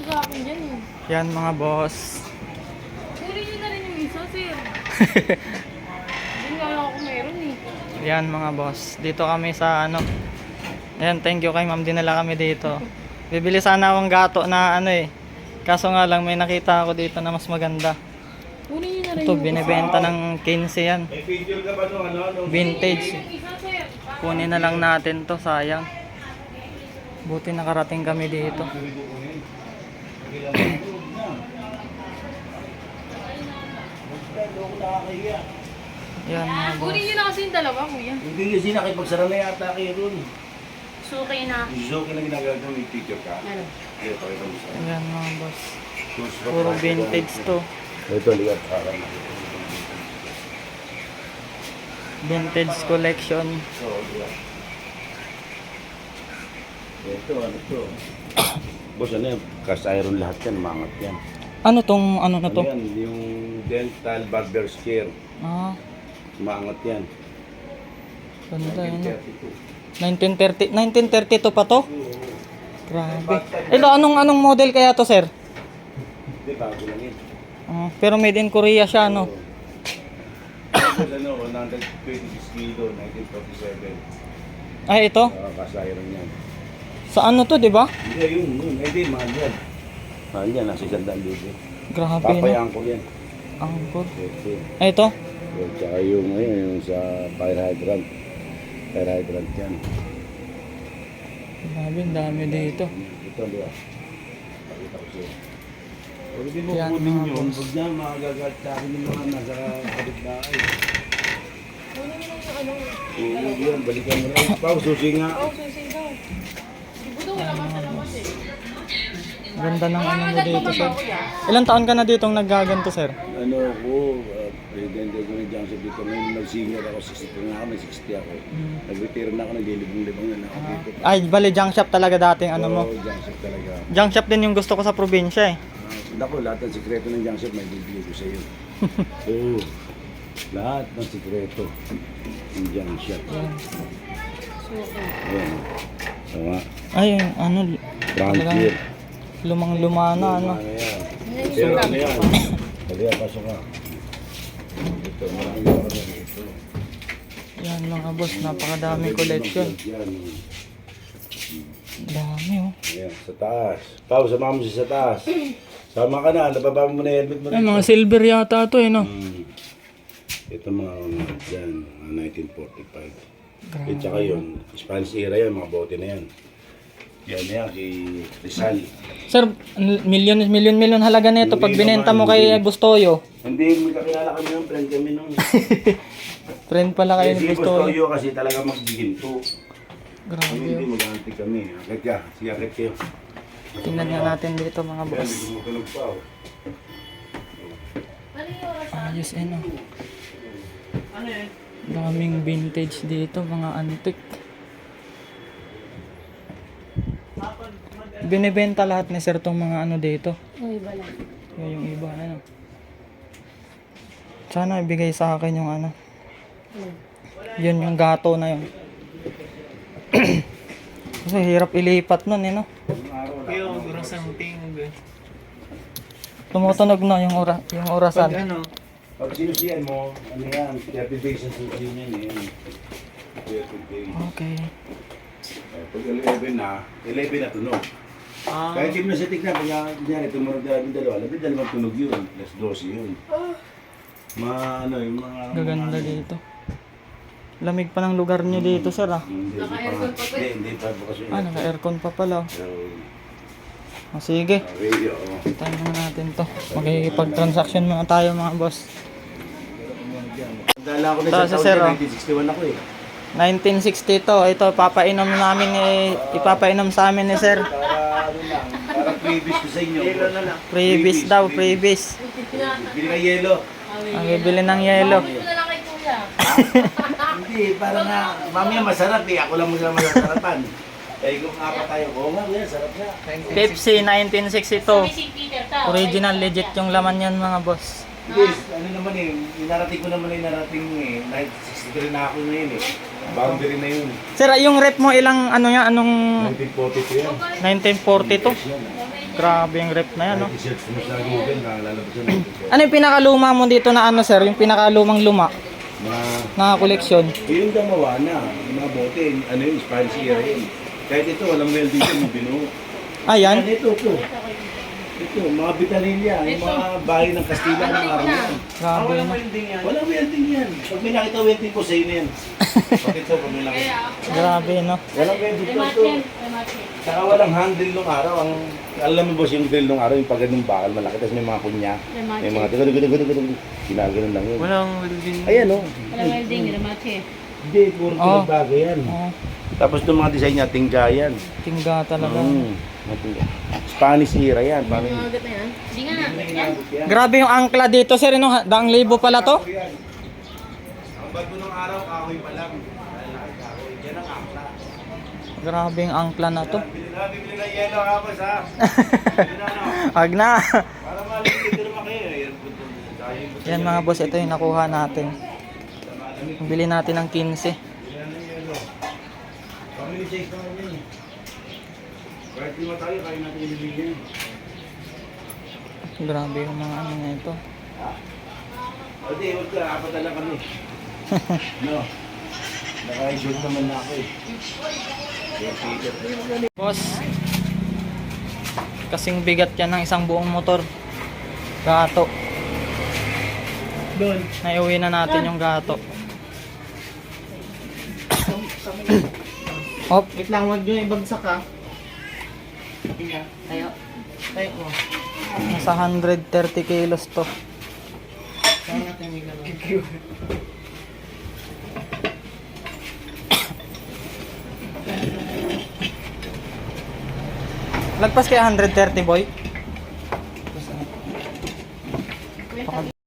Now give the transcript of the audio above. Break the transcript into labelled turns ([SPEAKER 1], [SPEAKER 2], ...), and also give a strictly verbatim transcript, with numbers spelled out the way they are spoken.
[SPEAKER 1] sa akin dyan eh.
[SPEAKER 2] Yan mga boss.
[SPEAKER 1] Huli nyo na rin yung isa, sir. Hindi nga lang ako meron eh.
[SPEAKER 2] Yan mga boss. Dito kami sa ano. Ayan, thank you kay ma'am. Dinala kami dito. Bibili sana akong gato na ano eh. Kaso nga lang may nakita ako dito na mas maganda.
[SPEAKER 1] Huli nyo na rin
[SPEAKER 2] Ito,
[SPEAKER 1] yung
[SPEAKER 2] binibenta ng quince yan.
[SPEAKER 3] May picture ka ba nung ano? Nung...
[SPEAKER 2] Vintage.
[SPEAKER 1] yung isa, sir.
[SPEAKER 2] Kunin na lang natin to, sayang. Buti nakarating kami dito. Yan mga boss.
[SPEAKER 1] Huli nyo na kasi yung dalawa, kuya.
[SPEAKER 3] Hindi kasi nakipagsara na yata kayo ron.
[SPEAKER 1] Suki na.
[SPEAKER 3] Joke na ginagawa mo, may picture ka.
[SPEAKER 1] Ano?
[SPEAKER 3] Kaya pakita mo sa
[SPEAKER 2] Yan mga boss.
[SPEAKER 3] Tools for
[SPEAKER 2] Puro
[SPEAKER 3] practical.
[SPEAKER 2] vintage to.
[SPEAKER 3] Ito, ligat ka ka na.
[SPEAKER 2] Vintage collection.
[SPEAKER 3] So, ligat. Ito, ano to? Boss, ano yan? Cast iron lahat yan, mangat yan.
[SPEAKER 2] Ano tong ano na to?
[SPEAKER 3] Ano yan? Yung dental barber's chair.
[SPEAKER 2] Ah,
[SPEAKER 3] Maangat yan.
[SPEAKER 2] ganda yun.
[SPEAKER 3] nineteen thirty-two.
[SPEAKER 2] nineteen thirty, nineteen thirty-two pa to? Grabe. Ito, anong anong model kaya to, sir?
[SPEAKER 3] Hindi, bago lang yun.
[SPEAKER 2] Ah, pero made in Korea siya, no?
[SPEAKER 3] Tapos ano, one hundred twenty-six kilo, nineteen forty-seven.
[SPEAKER 2] Ay, ito?
[SPEAKER 3] Uh, cast iron yan.
[SPEAKER 2] Sa ano to, di ba?
[SPEAKER 3] Hindi, yun, yun. Hindi, mahal yan. Mahal yan, nasa isandaan libo.
[SPEAKER 2] Grabe, no?
[SPEAKER 3] Papayaan ko yan.
[SPEAKER 2] Angkor.
[SPEAKER 3] Ito.
[SPEAKER 2] Ay, ito?
[SPEAKER 3] At saka yung, ayun, yung sa fire hydrant. Fire hydrant yan.
[SPEAKER 2] Grabe, ang dami dito.
[SPEAKER 3] Ito, di ba? Pakita ko sa'yo. Pag hindi mo
[SPEAKER 2] Yan,
[SPEAKER 3] kunin
[SPEAKER 2] mga
[SPEAKER 3] yun,
[SPEAKER 2] boss.
[SPEAKER 3] huwag na makagagat sa akin yung mga nasa kapitbahay.
[SPEAKER 1] Huli nyo na yung ano.
[SPEAKER 3] Oo, yan, balikan mo na. Pao, susi nga.
[SPEAKER 1] Oh, susi daw. Di ba daw wala ka sa labas eh.
[SPEAKER 2] Ganda ng ano mo
[SPEAKER 1] Agad
[SPEAKER 2] dito,
[SPEAKER 1] pa ba
[SPEAKER 2] sir.
[SPEAKER 1] ba, kuya?
[SPEAKER 2] Ilang taon ka na ditong naggaganto, sir?
[SPEAKER 3] Ano ako, uh, presidente ko ng Johnson dito. Ngayon nag-senior ako, sixty na ako, may sixty ako. Nag-retire na ako, naglilibong-libong na ako dito.
[SPEAKER 2] Ay, bali, junk shop talaga dating ano mo.
[SPEAKER 3] Oo, Johnson talaga.
[SPEAKER 2] Junk shop din yung gusto ko sa probinsya eh.
[SPEAKER 3] Uh, Naku, lahat ng sikreto ng Johnson may bibigay ko sa iyo. Oo, lahat ng sikreto ng Johnson.
[SPEAKER 1] Suki.
[SPEAKER 3] Ayan. Sama,
[SPEAKER 2] Ay, ano,
[SPEAKER 3] frontier.
[SPEAKER 2] lumang-luma na, ano.
[SPEAKER 3] Ano yan?
[SPEAKER 1] Yan yung
[SPEAKER 3] Pero
[SPEAKER 1] suka.
[SPEAKER 3] ano yan? Kaliya, pasok ka. Ito, maraming maraming ito.
[SPEAKER 2] Yan mga boss, napakadaming collection.
[SPEAKER 3] Yan.
[SPEAKER 2] Dami oh.
[SPEAKER 3] Ayan, sa taas. Pao, sama mo siya sa taas. Sama ka na, nababa mo na helmet mo
[SPEAKER 2] Ay, mga silver yata to eh, no?
[SPEAKER 3] Hmm. Ito mga ano, dyan, mga nineteen forty-five.
[SPEAKER 2] Grabe.
[SPEAKER 3] At saka yun, Spanish era yan, mga bote na yan. Yan na yan, si Rizal.
[SPEAKER 2] Sir, million, million, million halaga nito pag
[SPEAKER 3] Hindi
[SPEAKER 2] binenta
[SPEAKER 3] naman,
[SPEAKER 2] mo kay
[SPEAKER 3] hindi.
[SPEAKER 2] Bustoyo.
[SPEAKER 3] Hindi, magkakilala kami ng friend kami nung.
[SPEAKER 2] Friend pala kayo
[SPEAKER 3] Eh,
[SPEAKER 2] ni
[SPEAKER 3] si
[SPEAKER 2] Bustoyo.
[SPEAKER 3] Bustoyo kasi talaga magbiginto.
[SPEAKER 2] Grabe
[SPEAKER 3] Hindi,
[SPEAKER 2] oh.
[SPEAKER 3] mag-antik kami. Akit ka, sige akit kayo.
[SPEAKER 2] Tingnan nga natin dito mga
[SPEAKER 3] Yan,
[SPEAKER 2] boss.
[SPEAKER 3] hindi tumutunog pa oh.
[SPEAKER 1] Ano yung oras?
[SPEAKER 2] Ayos eh, no?
[SPEAKER 1] Ano yun?
[SPEAKER 2] Daming vintage dito, mga antique. Binibenta lahat ni sir tong mga ano dito.
[SPEAKER 1] Ang iba lang.
[SPEAKER 2] Yung, yung iba, ano. Sana ibigay sa akin yung ano.
[SPEAKER 1] Ano?
[SPEAKER 2] Yun yung gato na yun. Kasi hirap ilipat nun eh, no?
[SPEAKER 4] Yung orasang ting.
[SPEAKER 2] Tumutunog na yung, ora, yung orasan.
[SPEAKER 4] Pag ano,
[SPEAKER 3] Pag sinusiyan mo, ano yan, thirty days ang susiyan yan. Yan. thirty days.
[SPEAKER 2] Okay.
[SPEAKER 3] Eh, Pag eleven na, eleven na tunog.
[SPEAKER 4] ah,
[SPEAKER 3] Kahit yung nasa tignan, kanya, kunyari, tumunog na yung dalawa, labing dalawang tunog yun, plus dose yun. Mga ano, yung mga...
[SPEAKER 2] Gaganda
[SPEAKER 3] mga-
[SPEAKER 2] dito. Lamig pa ng lugar nyo dito, sir, ah.
[SPEAKER 3] Hindi, hindi
[SPEAKER 1] Naka-aircon pa ba?
[SPEAKER 3] Hindi, hindi pa bukas yun.
[SPEAKER 2] Ah, naka-aircon pa pala. oh.
[SPEAKER 3] So,
[SPEAKER 2] Ah, sige.
[SPEAKER 3] uh, radio, oh.
[SPEAKER 2] Tayo na natin to. Magkikipag-transaction muna tayo, mga boss.
[SPEAKER 3] Dala ko na
[SPEAKER 2] Ito,
[SPEAKER 3] sa
[SPEAKER 2] si
[SPEAKER 3] taon
[SPEAKER 2] Sir,
[SPEAKER 3] niya,
[SPEAKER 2] oh.
[SPEAKER 3] nineteen sixty-one ako eh.
[SPEAKER 2] nineteen sixty to. Ito, papainom namin eh, ipapainom sa amin ni sir.
[SPEAKER 3] Para ano lang, para previous ko sa inyo.
[SPEAKER 4] yelo na lang.
[SPEAKER 2] Freebies daw, freebies.
[SPEAKER 3] Bili ka yelo.
[SPEAKER 2] Ang bibili ng yelo.
[SPEAKER 1] Ito na lang kay kuya.
[SPEAKER 3] Hindi, para nga, mamaya masarap eh. Ako lang muna masasarapan. Eh, kung apat tayo, oo nga, yan, sarap nga.
[SPEAKER 2] Pepsi nineteen sixty-two.
[SPEAKER 1] Sabi si Peter ta.
[SPEAKER 2] Original, legit yung laman yan, mga boss.
[SPEAKER 3] Hindi, ano naman eh, inarating ko naman eh, narating eh, nineteen sixty-three na ako ngayon eh. Boundary na yun.
[SPEAKER 2] Sir, yung rep mo ilang ano yan, anong
[SPEAKER 3] nineteen forty-two yan.
[SPEAKER 2] nineteen forty-two?
[SPEAKER 3] Yes, yan, ah.
[SPEAKER 2] Grabe yung rep na yan, no?
[SPEAKER 3] Kahit i-search mo sa Google, nakalalabas yun.
[SPEAKER 2] Ano yung pinakaluma mo dito na ano, sir? Yung pinakalumang luma
[SPEAKER 3] Mga,
[SPEAKER 2] na koleksyon?
[SPEAKER 3] yung gumawa na, yung mga bote, ano yun, Spanish era yun. Kahit ito, walang welding yun, yung binuo.
[SPEAKER 2] Ayan.
[SPEAKER 3] Ano ito, ito. Ito, mga bitanilya, yung mga bahay ng Kastila ng araw yan.
[SPEAKER 2] Grabe, no?
[SPEAKER 3] Walang welding yan. Pag may nakita welding ko, sa'yo na yan. Pag ito, pag may nakita.
[SPEAKER 2] Grabe, no?
[SPEAKER 3] Walang welding ko ito.
[SPEAKER 1] Rematchen. Rematchen.
[SPEAKER 3] Saka walang handle nung araw. Ang, alam mo boss, yung drill nung araw, yung pag ganung bakal, malaki. Tapos may mga kunya. May mga tigo, tigo, tigo, tigo, tigo. Ginaganon lang yun.
[SPEAKER 4] Walang welding.
[SPEAKER 3] Ayan o.
[SPEAKER 1] Walang welding. Rematchen.
[SPEAKER 3] Hindi, puro
[SPEAKER 2] Oh.
[SPEAKER 3] pinagbago yan.
[SPEAKER 2] Oh,
[SPEAKER 3] Tapos yung mga design niya, tingga yan.
[SPEAKER 2] tingga talaga.
[SPEAKER 3] Mm, mga tingga. Spanish era yan. Paano yun?
[SPEAKER 1] Magat na yan. Hindi nga na. Yan.
[SPEAKER 2] Grabe yung angkla dito, sir. Ano? Daang libo pala to?
[SPEAKER 3] Ang bago ng araw, kahoy pa lang. Lalaki kahoy. Yan ang akla.
[SPEAKER 2] Grabe yung angkla na to.
[SPEAKER 3] Bili na, bibili na yelo kapos ha. Bili na no.
[SPEAKER 2] Wag na.
[SPEAKER 3] Para malamig dito naman kayo. Yan, buto. Tayo yung buto.
[SPEAKER 2] Yan mga boss, ito yung nakuha natin. Bili natin ng quince.
[SPEAKER 3] Yan ang yelo. Family size naman yan eh. Kahit lima tayo, kaya natin yung bibili yan.
[SPEAKER 2] Grabe yung mga ano na ito.
[SPEAKER 3] O di, huwag ka. Apat na lang kami. No. Naka-issued naman na ako eh. Yan, Peter.
[SPEAKER 2] Boss, kasing bigat yan ng isang buong motor. Gato.
[SPEAKER 4] Doon.
[SPEAKER 2] Naiuwi na natin yung gato. Hop,
[SPEAKER 4] Wait lang, huwag nyo ibagsak ha.
[SPEAKER 1] Tayo.
[SPEAKER 4] Tayo mo.
[SPEAKER 2] nasa one hundred thirty kilos to.
[SPEAKER 4] Saan natin may gano'n?
[SPEAKER 2] Lagpas kaya one hundred thirty boy?